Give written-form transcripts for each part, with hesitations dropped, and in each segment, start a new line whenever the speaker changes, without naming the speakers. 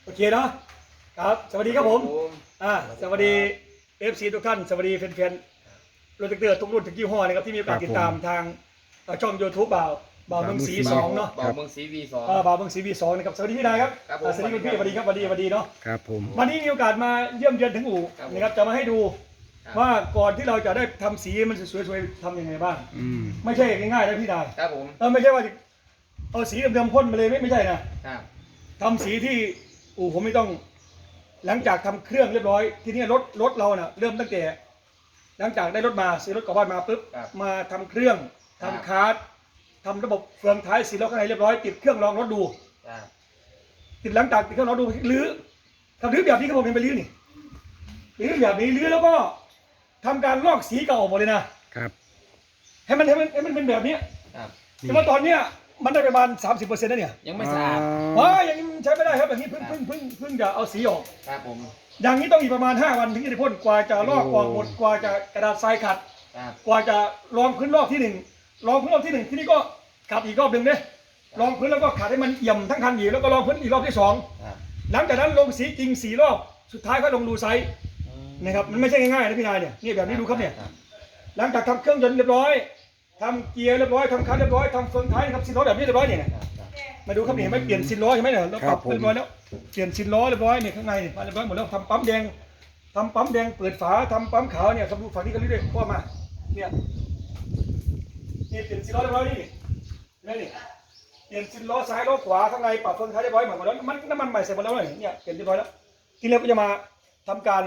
โอเคเนาะครับสวัสดีครับผมสวัสดี FC ทุกท่านสวัสดีแฟนๆรถเตือทุกรุ่นทุกยี่ห้อนะครับที่มีโอกาสติดตามทางช่อง YouTube บ่าวเมืองศรี2เนาะ
บ่าวเมืองศรี V2
บ่าวเมืองศรี V2 นะครับสวัสดีพี่นายครับสวัสดีคุณพี่สวัสดีครับสวัสดีเนาะ
ครับผม
วันนี้มีโอกาสมาเยี่ยมเยือนถึงอู่นะครับจะมาให้ดูว่าก่อนที่เราจะได้ทำสีมันสวยๆทำยังไงบ้างไม่ใช่ง่ายๆนะพี่นาย
ครับผม
ไม่ใช่ว่าเอาสีเดิมๆพ่นมาเลยไม่ใช่นะทำสีที่อู่ผมไม่ต้องหลังจากทำเครื่องเรียบร้อยทีนี้รถเราเน่ะเริ่มตั้งแต่หลังจากได้รถมาซื้อรถกลับบ้านมาปุ๊บมาทำเครื่องทำคาร์ดทำระบบเฟืองท้ายสีล้อข้างในเรียบร้อยติดเครื่องรองรถดูติดหลังจากติดเครื่องรองดูรื้อทำรื้อแบบนี้ครับผมเป็นไปรื้อนี่รื้อแบบนี้รื้อแล้วก็ทำการลอกสีเก่าออกหมดเลยนะครับให้มันเป็นแบบนี้แต่ว่าตอนเนี้ยมันได้ประมาณ 30%แล้วเนี่ย
ยังไม่สะอาด
ยังใช้ไม่ได้ครับแบบนี้เพิ่งจะเอาสีออก
ครับผม
อย่างนี้ต้องอีกประมาณ5 วันถึงจะพ่นกว่าจะลอกออกหมดกว่าจะกระดาษทรายขัดกว่าจะรองพื้นรอบที่1รองพื้นรอบที่1ที่นี่ก็ขัดอีกรอบหนึ่งเนี่ยรองพื้นแล้วก็ขัดให้มันเอี่ยมทั้งคันอีกแล้วก็รองพื้นอีกรอบที่2หลังจากนั้นลงสีจริง4 รอบสุดท้ายก็ลงรูไซส์นะครับมันไม่ใช่ง่ายๆนะพี่นายเนี่ยนี่แบบนี้ดูครับเนี่ยหลังจากทำเครื่องยนต์เรียบร้อยทำเกียร์เรียบร้อยทำคันเรียบร้อยทำเฟืองท้ายนะครับซินล้อแบบนี้เรียบร้อยเนี่ยมาดูครับนี่เห็นไหมเปลี่ยนซินล้อใช่ไหมเนี่ยเราปรับเรียบร้อยแล้วเปลี่ยนซินล้อเรียบร้อยเนี่ยข้างในเนี่ยเรียบร้อยหมดแล้วทำปั๊มแดงเปิดฝาทำปั๊มขาวเนี่ยครับดูฝั่งนี้กันเรื่อยๆพ่อมาเนี่ยนี่เปลี่ยนซินล้อเรียบร้อยนี่นี่เปลี่ยนซินล้อซ้ายล้อขวาข้างในปรับเฟืองท้ายเรียบร้อยหมดแล้วน้ำมันใหม่ใส่หมดแล้วเนี่ยเปลี่ยนเรียบร้อยแล้วทีนี้ก็จะมาทำการ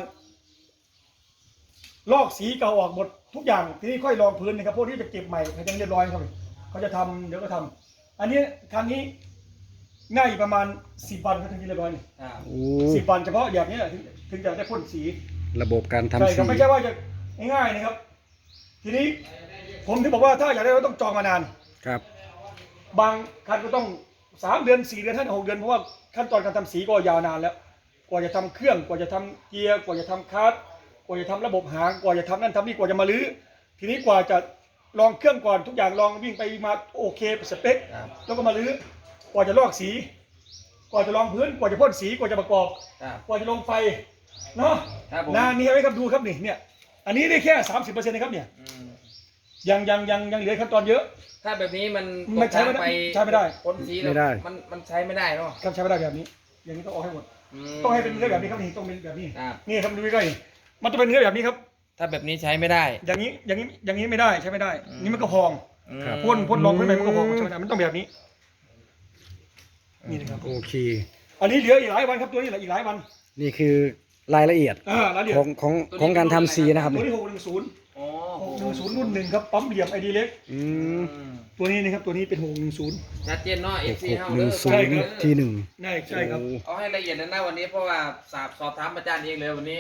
ลอกสีเก่าออกหมดทุกอย่างทีนี้ค่อยรองพื้นนะครับพวกที่จะเก็บใหม่ให้ยังเรียบร้อยครับเขาจะทำเดี๋ยวก็ทำอันนี้คันนี้ง่ายประมาณ10 วันก็ถึงจะเรียบร้อยนี่10 วันเฉพาะอย่างนี้ถึงจะได้พ่นสี
ระบบการทำสี
ไม่ใช่ว่าจะง่ายๆนะครับทีนี้ผมถึงบอกว่าถ้าอยากได้เราต้องจองมานาน
ครับ
บางคันก็ต้อง3 เดือน4 เดือน6 เดือนเพราะว่าขั้นตอนการทำสีก็ยาวนานแล้วกว่าจะทำเครื่องกว่าจะทำเกียร์กว่าจะทำคาร์ดกว่าจะทำระบบหางกว่าจะทำนั่นทำนี่กว่าจะมาลื้อทีนี้กว่าจะลองเครื่องก่อนทุกอย่างลองวิ่งไปมาโอเคสเปคแล้วก็มาลื้อกว่าจะลอกสีกว่าจะลองพื้นกว่าจะพ่นสีกว่าจะประกอบกว่าจะลงไฟเนาะนานนี้ไว้ครับดูครับนี่เนี่ยอันนี้ได้แค่ 30%นะครับเนี่ยยังเหลือขั้นตอนเยอะ
ถ้าแบบนี้มัน
ใช้ไม่ได้
พ่นสีมันใช้ไม่ได้เนาะ
ครับใช้ไม่ได้แบบนี้อย่างนี้ต้องออกให้หมดต้องให้เป็นเนื้อแบบนี้ครับนี่ต้องเป็นแบบนี้นี่ครับดูใกล้ๆมันจะเป็นเนื้อแบบนี้ครับ
ถ้าแบบนี้ใช้ไม่ได้
อย่างนี้ไม่ได้ใช้ไม่ได้นี่มันก็พองพ่นลองพื้นไปมันก็พองใช้ไม่ได้มันต้องแบบนี้นี่นะครับ
โอเค
อันนี้เหลืออีกหลายวันครับตัวนี้เหลืออีกหลายวัน
นี่คือรายละเอียดของการทำสีนะครับ
ตัวนี้610รุ่น1ครับปั๊มเหลี่ยมไอดีเล็กตัวนี้นะครับตัวนี้เป็น610
ชัดเจนเนาะ FC เฮา
ที่1
ใช่ครับ
เอาให้ละเอียดนะวันนี้เพราะว่าสอบถามอาจารย์เองเลยวันนี้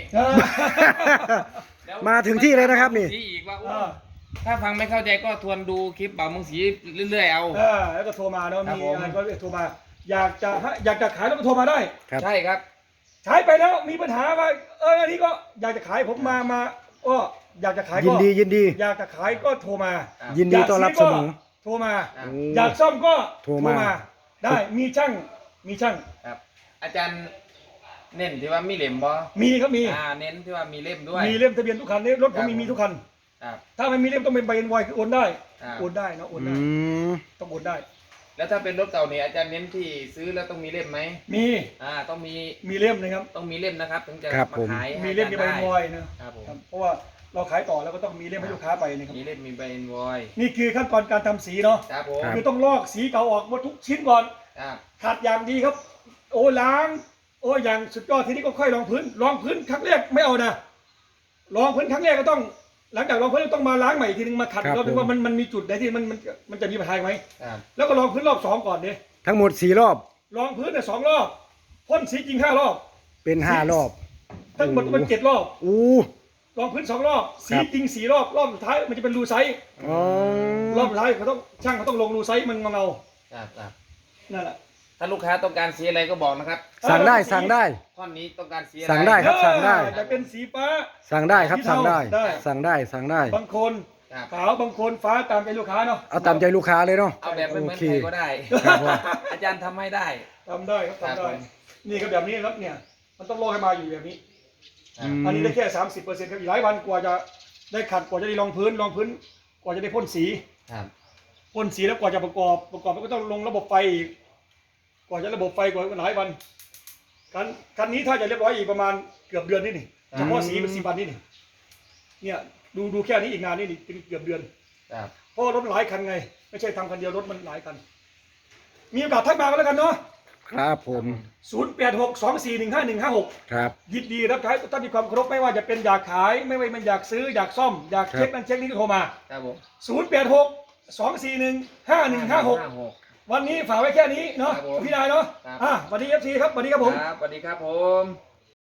มาถึงที่เลยนะครับนี่
อีกว่าถ้าฟังไม่เข้าใจก็ทวนดูคลิปบ่าวเมืองศรีเรื่อยๆเอา
แล้วก็โทรมาแล้วมีอะไรก็โทรมาอยากจะขายแล้วก็โทรมาได้
ใช่ครับ
ใช้ไปแล้วมีปัญหาว่าอันนี้ก็อยากจะขายผมมาก็อยากจะขายก็
ยินดี
อยากจะขายก็โทรมา
ยินดีต้อนรับเสมอ
โทรมาอยากซ่อมก็โทรมาได้มีช่าง
ครับอาจารย์เน้นที่ว่ามีเล่มบ่
มีครับมี
เน้นที่ว่ามีเล่มด้วย
มีเล่มทะเบียนทุกคันนี่รถผมมีทุกคันถ้าไม่มีเล่มต้องเป็นใบไวคือโอนได้เนาะโอนได้ต้องโอนได้
แล้วถ้าเป็นรถเก่าเนี่ยอาจารย์เน้นที่ซื้อแล้วต้องมีเล่มไหม
มี
ต้อง
มีเล่มนะครับ
ต้องมีเล่มนะครับถึงจะมาขาย
มีเล่มมีใบไวนะครับเพราะว่าเราขายต่อแล้วก็ต้องมีเล่มให้ลูกค้าไปนะครับ
มีเล่มมีใบไว
นี่คือขั้นตอนการทำสีเนาะคือต้องลอกสีเก่าออกหมดทุกชิ้นก่อนขัดอย่างดีครับโอ้ล้างอย่างสุดยอดทีนี้ก็ค่อยรองพื้นครั้งแรกไม่เอานะรองพื้นครั้งแรกก็ต้องหลังจากรองพื้นต้องมาล้างใหม่ทีนึงมาขัดเราดูว่ามันมีจุดไหนที่มันจะมีปัญหาไหมแล้วก็รองพื้นรอบ2ก่อนเนี่ย
ทั้งหมด4 รอบ
รองพื้นเนี่ย2 รอบพ่นสีจริง5 รอบ
เป็น5 รอบ
ทั้งหมดมัน7 รอบรองพื้น2 รอบสีจริง4 รอบสุดท้ายมันจะเป็นรูไซส์รอบสุดท้ายช่างเขาต้องลงรูไซส์มันเงานั่นแหละ
ถ้าลูกค้าต้องการสีอะไรก็บอกนะครับ
สั่งได้
ท่อนนี้ต้องการสีอะไร
สั่งได้ครับสั่งได้
จะเป็นสีฟ้า
สั่งได้ครับสั่งได้
บางคนขาวบางคนฟ้าตามใจลูกค้าเนาะ
เอาตามใจลูกค้าเลยเนาะ
เอาแบบไม่เหมือนใครก็ได้อาจารย์ทำให้ได้
ทำได้ครับทำได้นี่ครับแบบนี้ครับเนี่ยมันต้องรอให้มาอยู่แบบนี้
ครับ
อันนี้ได้แค่ 30%ครับอีกหลายวันกว่าจะได้ขัดกว่าจะได้รองพื้นกว่าจะได้พ่นสี
ครับ
พ่นสีแล้วกว่าจะประกอบแล้วก็ต้องลงระบบไฟอีกกว่าจะระบบไฟกว่าหลายวันคันนี้ถ้าจะเรียบร้อยอีกประมาณเกือบเดือนนี่นี่เฉพาะสีเป็น10 วันนี่นี่เนี่ยดูแค่นี้อีกนานนี่เป็นเกือบเดือน
ครับ
เพราะรถหลายคันไงไม่ใช่ทำคันเดียวรถมันหลายคันมีโอกาสทักมากันแล้วกันเนาะ
ครับผม
0862415156
ครับ
ยินดีรับใช้ถ้ามีความเคารพไม่ว่าจะเป็นอยากขายไม่ว่ามันอยากซื้ออยากซ่อมอยากเช็คนั่นเช็คนี่ก็โทรมา
ครับผม
0862415156 วันนี้ฝากไว้แค่นี้เนาะ
ครับผม
พี่นายเนาะ
ครับ
วันนี้ FC ครับสวัสดีครับผม
ครับสวัสดีครับผม